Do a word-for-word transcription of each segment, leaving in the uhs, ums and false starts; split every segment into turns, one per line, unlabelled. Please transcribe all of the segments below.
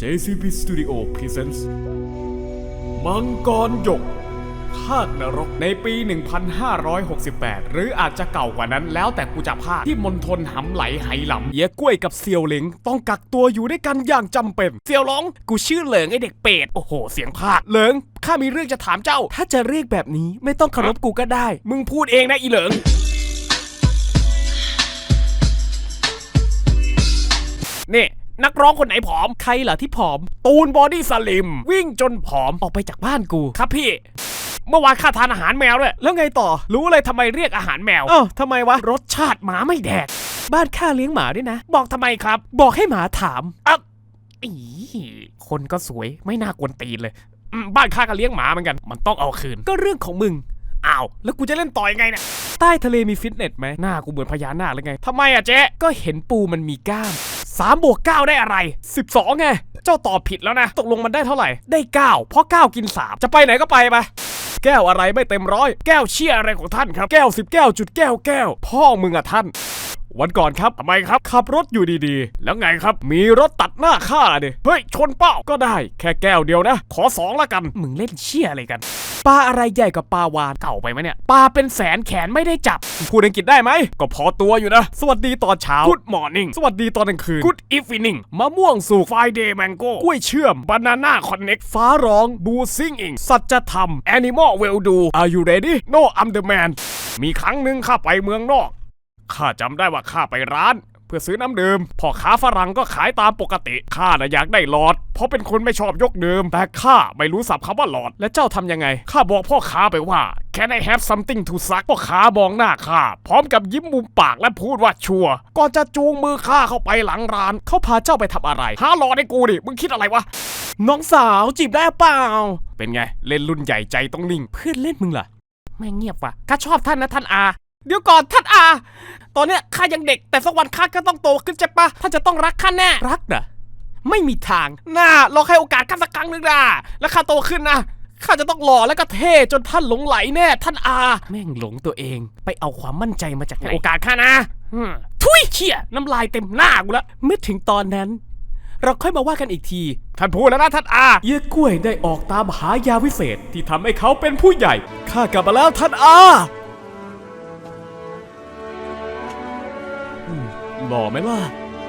เจ ซี พี Studio Presents มังกรหยกภาคนรกในปี หนึ่งพันห้าร้อยหกสิบแปด หรืออาจจะเก่ากว่านั้นแล้วแต่กูจะพากที่มณฑลหำไหลไหหลำเหี้ยกล้วยกับเซียวเหลิงต้องกักตัวอยู่ด้วยกันอย่างจำเป็นเซียวหลงกูชื่อเหลิงไอเด็กเป็ดโอ้โหเสียงพากเหลิงข้ามีเรื่องจะถามเจ้าถ้าจะเรียกแบบนี้ไม่ต้องเคารพกูก็ได้มึงพูดเองนะอีเหลิงนี่นักร้องคนไหนผอมใครเหรอที่ผอมตูนบอดี้สลิมวิ่งจนผอมออกไปจากบ้านกูครับพี่เมื่อวานข้าทานอาหารแมวด้วยแล้วไงต่อรู้เลยทำไมเรียกอาหารแมวอ้าวทำไมวะรสชาติหมาไม่แดกบ้านข้าเลี้ยงหมาด้วยนะบอกทำไมครับบอกให้หมาถามอ่ะอีคนก็สวยไม่น่ากวนตีนเลยบ้านข้าก็เลี้ยงหมาเหมือนกันมันต้องเอาคืนก็เรื่องของมึงอ้าวแล้วกูจะเล่นต่อยังไงเนี่ยใต้ทะเลมีฟิตเนสไหมหน้ากูเหมือนพญานาคเลยไงทำไมอะเจ๊ก็เห็นปูมันมีกล้ามสามบวกเก้าได้อะไรสิบสองไงเจ้าตอบผิดแล้วนะตกลงมันได้เท่าไหร่ได้เก้าเพราะเก้ากินสามจะไปไหนก็ไปไปแก้วอะไรไม่เต็มร้อยแก้วเชี่ยอะไรของท่านครับแก้วสิบแก้วจุดแก้วแก้วพ่อมึงอะท่านวันก่อนครับทำไมครับขับรถอยู่ดีๆแล้วไงครับมีรถตัดหน้าข้าดิเฮ้ยชนเป้าก็ได้แค่แก้วเดียวนะขอสองละกันมึงเล่นเชี่ยอะไรกันปลาอะไรใหญ่กว่าปลาวาฬเก่าไปไหมเนี่ยปลาเป็นแสนแขนไม่ได้จับพูดอังกฤษได้ไหมก็พอตัวอยู่นะสวัสดีตอนเช้า Good morning สวัสดีตอนกลางคืน Good evening มะม่วงสุก Friday mango กล้วยเชื่อม Banana connect ฟ้าร้องบูซิงอิงสัจธรรม Animal will do Are you ready No I'm the man มีครั้งหนึ่งข้าไปเมืองนอกข้าจำได้ว่าข้าไปร้านเพื่อซื้อน้ำดื่มพ่อค้าฝรั่งก็ขายตามปกติข้าน่ะอยากได้หลอดเพราะเป็นคนไม่ชอบยกดื่มแต่ข้าไม่รู้ศัพท์คำว่าหลอดและเจ้าทำยังไงข้าบอกพ่อค้าไปว่า Can I have something to suck พ่อค้ามองหน้าข้าพร้อมกับยิ้มมุมปากและพูดว่าชัวร์ก่อนจะจูงมือข้าเข้าไปหลังร้านเขาพาเจ้าไปทำอะไรหาหลอดให้กูดิมึงคิดอะไรวะน้องสาวจีบได้เปล่าเป็นไงเล่นรุ่นใหญ่ใจต้องนิ่งเพื่อนเล่นมึงล่ะไม่เงียบว่ะข้าชอบท่านนะท่านอาเดี๋ยวก่อนท่านอาตอนเนี้ยข้ายังเด็กแต่สักวันข้าก็ต้องโตขึ้นใช่ปะท่านจะต้องรักข้าแน่รักเหรอไม่มีทางน่าลองให้โอกาสข้าสักครั้งนึงนะแล้วข้าโตขึ้นนะข้าจะต้องหล่อแล้วก็เท่จนท่านหลงไหลแน่ท่านอาแม่งหลงตัวเองไปเอาความมั่นใจมาจากไหนโอกาสข้านะทุยเขี่ยน้ำลายเต็มหน้ากูแล้วเมื่อถึงตอนนั้นเราค่อยมาว่ากันอีกทีท่านพูดแล้วนะท่านอาเยี่ยกล้วยได้ออกตามหายาวิเศษที่ทำให้เขาเป็นผู้ใหญ่ข้ากลับมาแล้วท่านอาหล่อไหมล่ะ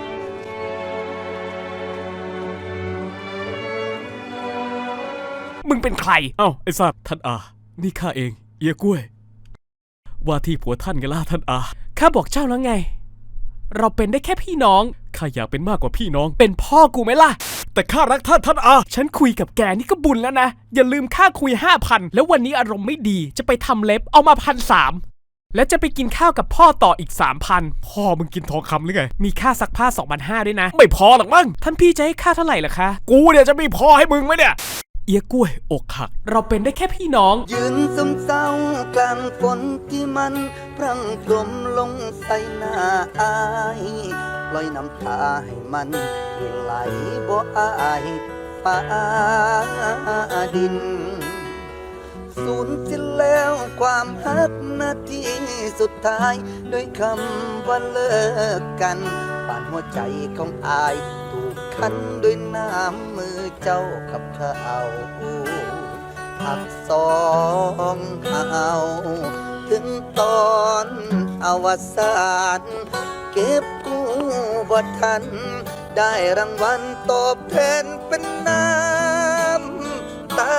มึงเป็นใครเอ้าไอ้สัตว์ท่านอานี่ข้าเองเอียกล้วยว่าที่ผัวท่านไงล่ะท่านอาข้าบอกเจ้าแล้วไงเราเป็นได้แค่พี่น้องข้าอยากเป็นมากกว่าพี่น้องเป็นพ่อกูไหมล่ะแต่ข้ารักท่านท่านอาฉันคุยกับแกนี่ก็บุญแล้วนะอย่าลืมค่าคุยห้าพันแล้ววันนี้อารมณ์ไม่ดีจะไปทำเล็บเอามาพันสามแล้วจะไปกินข้าวกับพ่อต่ออีก สามพัน พ่อมึงกินทองคำหรือไงมีค่าซักผ้า สองพันห้าร้อย ด้วยนะไม่พอหรอกมั้งท่านพี่จะให้ค่าเท่าไหร่ล่ะคะกูเนี่ยจะมีพอให้มึงไหมเนี่ยเอียกล้วยอกหักเราเป็นได้แค่พี่น้อง
ยืนซึมเศร้ากลางฝนที่มันพรั่งพรมลงใส่หน้าอายปล่อยน้ำตาให้มันไหลบ่อายฟ้าดินสูญสิ้นแล้วความฮักนาทีสุดท้ายด้วยคำว่าเลิกกันป่านหัวใจของอายถูกคันด้วยน้ำมือเจ้ากับเขาหักสองเอาถึงตอนอวสานเก็บกู้บ่ทันได้รางวัลตอบแทนเป็นน้ำตา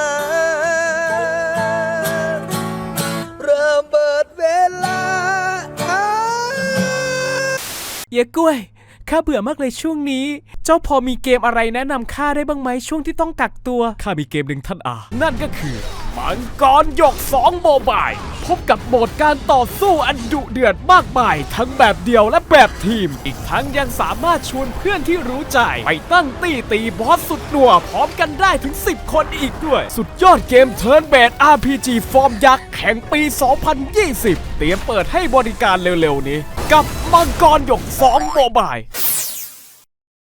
เอียกล้วยข้าเบื่อมากเลยช่วงนี้เจ้าพอมีเกมอะไรแนะนำข้าได้บ้างไหมช่วงที่ต้องกักตัวข้ามีเกมหนึ่งท่านอานั่นก็คือมังกรหยกสองโมบายพบกับโหมดการต่อสู้อันดุเดือดมากมายทั้งแบบเดียวและแบบทีมอีกทั้งยังสามารถชวนเพื่อนที่รู้ใจไปตั้งตี้ตีบอสสุดหนัวพร้อมกันได้ถึงสิบคนอีกด้วยสุดยอดเกมเทิร์นเบส อาร์ พี จี ฟอร์มยักษ์แห่งปี สองพันยี่สิบ เตรียมเปิดให้บริการเร็วๆนี้กับมังกรหยกสองโมบาย